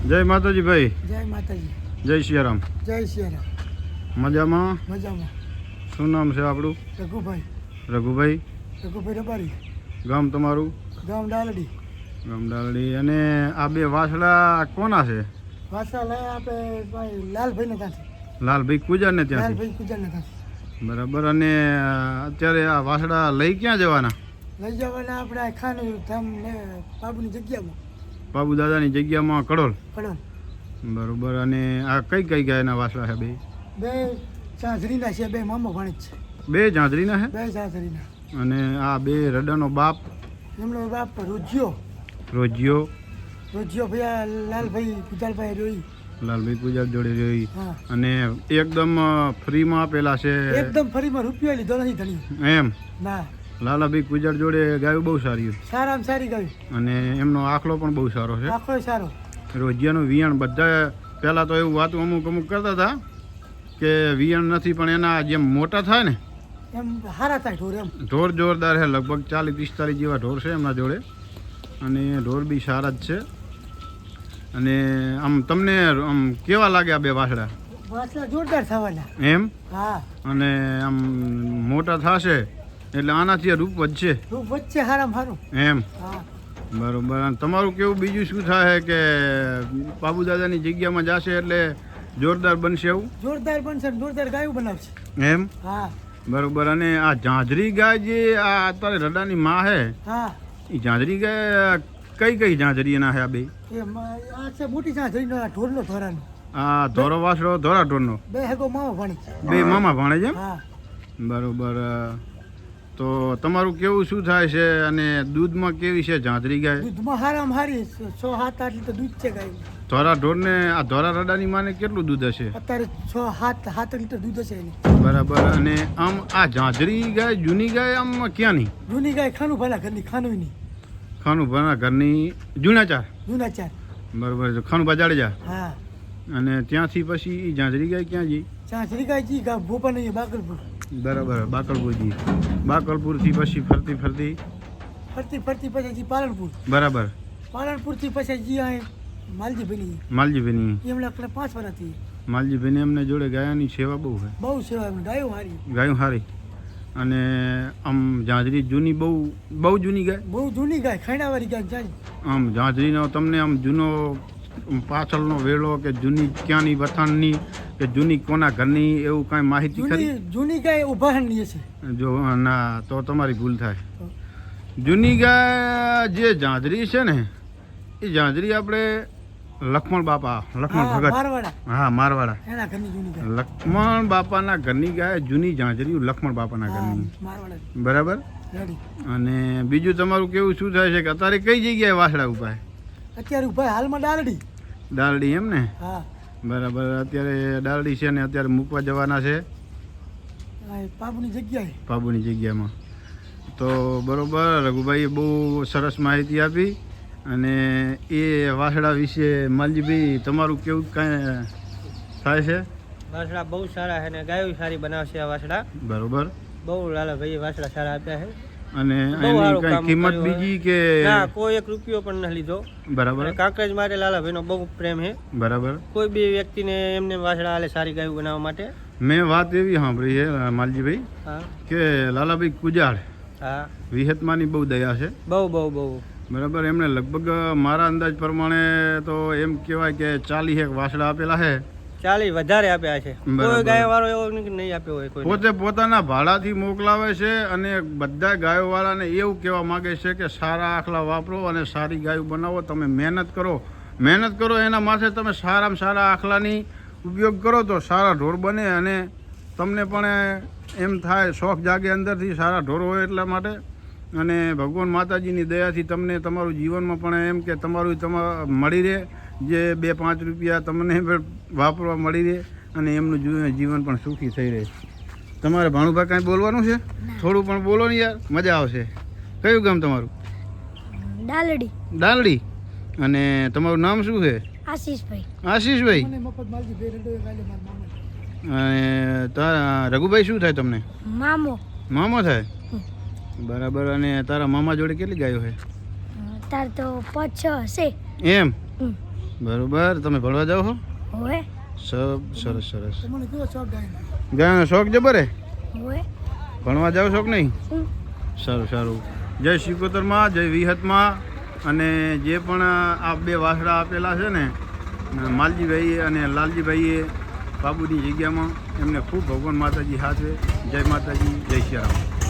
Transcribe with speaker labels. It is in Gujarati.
Speaker 1: જય માતાજી ભાઈ.
Speaker 2: જય માતાજી.
Speaker 1: જય સિયારામ.
Speaker 2: જય સિયારામ.
Speaker 1: મજામાં?
Speaker 2: મજામાં.
Speaker 1: શું નામ છે આપણું?
Speaker 2: રઘુભાઈ.
Speaker 1: રઘુભાઈ.
Speaker 2: રઘુભાઈ રબારી.
Speaker 1: ગામ તમારું?
Speaker 2: ગામ ડાલડી.
Speaker 1: ગામ ડાલડી. અને આ બે વાસડા કોના છે?
Speaker 2: વાસા લઈ આપણે ભાઈ લાલભાઈને ત્યાંથી.
Speaker 1: લાલભાઈ કુજારને ત્યાંથી?
Speaker 2: લાલભાઈ કુજારને ત્યાંથી.
Speaker 1: બરાબર. અને અત્યારે આ વાસડા લઈ ક્યાં જવાના?
Speaker 2: લઈ જવાના આપણે ખાનું ધામ ને બાબુની જગ્યામાં.
Speaker 1: બાબુ દાદાની જગ્યામાં કડોલ.
Speaker 2: કડોલ.
Speaker 1: બરાબર. અને આ કઈ કઈ ગાયના વાસડા છે બે?
Speaker 2: બે ઝાંઝરીના છે, બે મામા ભાણેજ છે.
Speaker 1: બે ઝાંઝરીના છે?
Speaker 2: બે ઝાંઝરીના.
Speaker 1: અને આ બે રડાનો બાપ?
Speaker 2: એમનો બાપ રોજ્યો.
Speaker 1: રોજ્યો.
Speaker 2: રોજ્યો ભૈયા લાલભાઈ કુજાલભાઈ રોઈ.
Speaker 1: લાલભાઈ પૂજાર જોડે જોઈ.
Speaker 2: હા.
Speaker 1: અને એકદમ ફ્રીમાં આપેલા છે?
Speaker 2: એકદમ ફરીમાં રૂપિયો લીધો નથી ધણી.
Speaker 1: એમ?
Speaker 2: ના.
Speaker 1: લાલાભાઈ પૂજાર જોડે ગાયું બહુ સારી.
Speaker 2: સારામાં સારી ગાયું.
Speaker 1: અને એમનો આખલો પણ બહુ સારો છે.
Speaker 2: આખો સારો.
Speaker 1: રોજિયાનું વિયણ બધા પહેલાં તો એવું વાતું અમુક કરતા હતા કે વિયણ નથી, પણ એના જેમ મોટા થાય ને
Speaker 2: એમ સારા થાય ઢોર. એમ
Speaker 1: ઢોર જોરદાર છે. લગભગ 40-45 જેવા ઢોર છે એમના જોડે. અને ઢોર બી સારા જ છે. અને આમ તમને આમ કેવા લાગે આ બે વાસડા?
Speaker 2: વાસડા જોરદાર થવાના.
Speaker 1: એમ?
Speaker 2: હા.
Speaker 1: અને આમ મોટા થશે એટલે આનાથી રૂપ વધશે.
Speaker 2: રૂપ વચ્ચે સારામાં સારું.
Speaker 1: એમ?
Speaker 2: હા.
Speaker 1: બરોબર. અને તમારું કેવું બીજું શું થાય કે બાબુ દાદાની જગ્યામાં જશે એટલે જોરદાર બનશે એવું? જોરદાર
Speaker 2: બનશે, જોરદાર ગાયું બનાવશે.
Speaker 1: એમ?
Speaker 2: હા.
Speaker 1: બરોબર. અને આ ઝાંઝરી ગાય જે આ અત્યારે રડાની માં છે,
Speaker 2: હા,
Speaker 1: એ ઝાંઝરી ગાય કઈ કઈ ઝાંઝરી એના છે આ બે?
Speaker 2: આ છે મોટી ઝાંઝરીનો, આ ઢોરનો ધોરાનો.
Speaker 1: આ ધોરો વાસડો ધોરા ઢોરનો?
Speaker 2: બે હેગો મામા ભાણી.
Speaker 1: બે મામા ભાણે છે?
Speaker 2: હા.
Speaker 1: બરોબર. તો તમારું કેવું શું થાય છે? અને દૂધમાં કેવી છે ઝાંઝરી ગાય?
Speaker 2: દૂધમાં હારામાં હારી 6-7 લીટર દૂધ છે ગાય.
Speaker 1: ધોરા ઢોરને આ ધોરા રડાની માને કેટલું દૂધ હશે?
Speaker 2: અત્યારે 6-7 લીટર દૂધ હશે એની.
Speaker 1: બરાબર. અને આમ આ ઝાંઝરી ગાય જૂની ગાય આમ ક્યાંની?
Speaker 2: જૂની ગાય ખાનું ભલા ઘરની. ખાનુંની.
Speaker 1: ખાનું ભણા ઘરની જૂના ચાર?
Speaker 2: જૂના ચાર.
Speaker 1: બરોબર. ખાનું બજાડે જા.
Speaker 2: હા.
Speaker 1: અને ત્યાંથી પછી એ ઝાંઝરી ગાય ક્યાં જઈ?
Speaker 2: ઝાંઝરી ગાય જી ગા ભોપા નહીં, બાકલપુર.
Speaker 1: બરાબર. બાકલપુરજી. બાકલપુરથી પછી ફરતી
Speaker 2: ફરતી પછી જી પાલનપુર.
Speaker 1: બરાબર.
Speaker 2: પાલનપુરથી પછી જી આ માલજીભાઈ.
Speaker 1: માલજીભાઈની?
Speaker 2: એમણે આપણે 5 વર્ષથી.
Speaker 1: માલજીભાઈને એમને જોડે ગાયાની સેવા બહુ છે.
Speaker 2: બહુ સેવા. ગાયો હારી.
Speaker 1: ગાયું સારી. અને આમ ઝાંઝરી જૂની બહુ જૂની ગાય?
Speaker 2: બહુ જૂની ગાય, ખાણાવાળી ગાય જાય.
Speaker 1: આમ ઝાંઝરીનો તમને આમ જૂનો પાછળનો વેળો કે જૂની ક્યાંની વથાણની કે જૂની કોના ઘરની એવું કાંઈ માહિતી ખરી?
Speaker 2: જૂની ગાય ઉભારણીએ છે.
Speaker 1: જો ના તો તમારી ભૂલ થાય. જૂની ગાય જે ઝાંઝરી છે ને, એ ઝાંઝરી આપણે લક્ષ્મણ બાપા, લક્ષ્મણ ભગત.
Speaker 2: મારવાડા.
Speaker 1: હા, મારવાડા.
Speaker 2: એના ઘરની જૂની ગાય.
Speaker 1: લક્ષ્મણ બાપાના ઘરની ગાય જૂની ઝાંઝરી લક્ષ્મણ બાપાના ઘરની.
Speaker 2: મારવાડા.
Speaker 1: બરાબર. અને બીજું તમારું કેવું શું થાય છે કે અત્યારે કઈ જગ્યાએ વાસડા ઉભા?
Speaker 2: અત્યારે ઉભા હાલમાં ડાલડી.
Speaker 1: ડાલડી એમ ને?
Speaker 2: હા.
Speaker 1: બરાબર. અત્યારે ડાલડી છે ને અત્યારે મૂકવા જવાના છે
Speaker 2: બાબુની જગ્યાએ.
Speaker 1: બાબુની જગ્યામાં. તો બરોબર. રઘુભાઈએ બહુ સરસ માહિતી આપી. અને એ વાસડા વિશે માલજીભાઈ તમારું કેવું કાંઈ થાય છે?
Speaker 3: વાસડા બહુ સારા છે ને ગાયો સારી બનાવશે આ વાસડા.
Speaker 1: બરોબર.
Speaker 3: બહુ લાલાભાઈ વાસડા સારા આપ્યા છે.
Speaker 1: અને એની કઈ કિંમત બીજી કે?
Speaker 3: ના, કોઈ 1 રૂપિયો પણ ન લીધો.
Speaker 1: બરાબર.
Speaker 3: કાંકરેજ માટે લાલાભાઈનો બહુ પ્રેમ છે.
Speaker 1: બરાબર. કોઈ
Speaker 3: બી વ્યક્તિને એમને વાસડા આલે સારી ગાયો બનાવવા માટે.
Speaker 1: મેં વાત એવી સાંભળી છે માલજીભાઈ,
Speaker 3: હા,
Speaker 1: કે લાલાભાઈ કુજાડ,
Speaker 3: હા,
Speaker 1: વિહતમાની બહુ દયા છે.
Speaker 3: બહુ.
Speaker 1: બરાબર. એમણે લગભગ મારા અંદાજ પ્રમાણે તો એમ કહેવાય કે 40 વાસડા આપેલા છે.
Speaker 3: 40 વધારે આપ્યા છે. કોઈ ગાયો વાળો એવો નહીં આપ્યો હોય.
Speaker 1: પોતે પોતાના ભાડાથી મોકલાવે છે. અને બધા ગાયો વાળાને એવું કહેવા માંગે છે કે સારા આખલા વાપરો અને સારી ગાયો બનાવો. તમે મહેનત કરો એના માથે તમે સારામાં સારા આખલાની ઉપયોગ કરો તો સારા ઢોર બને. અને તમને પણ એમ થાય, શોખ જાગે અંદરથી સારા ઢોર હોય એટલા માટે. અને ભગવાન માતાજીની દયાથી તમને તમારું જીવનમાં પણ એમ કે તમારું મળી રહે, જે 2-5 રૂપિયા તમને વાપરવા મળી રહે અને એમનું જીવન પણ સુખી થઈ રહે. તમારે ભાણુભાઈ કાંઈ બોલવાનું છે? થોડું પણ બોલો ને યાર, મજા આવશે. કયું ગામ તમારું?
Speaker 4: ડાલડી.
Speaker 1: ડાલડી. અને તમારું નામ શું છે?
Speaker 4: આશીષભાઈ.
Speaker 1: આશીષભાઈ. અને તારા રઘુભાઈ શું થાય તમને? મામો થાય. બરાબર. અને તારા મામા જોડે કેટલી ગાયો છે?
Speaker 4: તાર તો 5-6 હશે.
Speaker 1: એમ? બરોબર. તમે ભણવા જાઓ છો?
Speaker 4: હોય
Speaker 1: સરસ સરસ.
Speaker 2: તમને કેવો શોખ ગાયનો?
Speaker 1: ગાયનો શોખ જબર હે?
Speaker 4: હોય
Speaker 1: ભણવા જાઓ છો કે નહીં?
Speaker 4: શું
Speaker 1: સારું સારું. જય શિકોતરમાં, જય વિહતમાં. અને જે પણ આ 2 વાસડા આપેલા છે ને માલજીભાઈએ અને લાલજીભાઈએ બાબુની જગ્યામાં, એમને ખૂબ ભગવાન માતાજી હાથે. જય માતાજી, જય શ્રી રામ.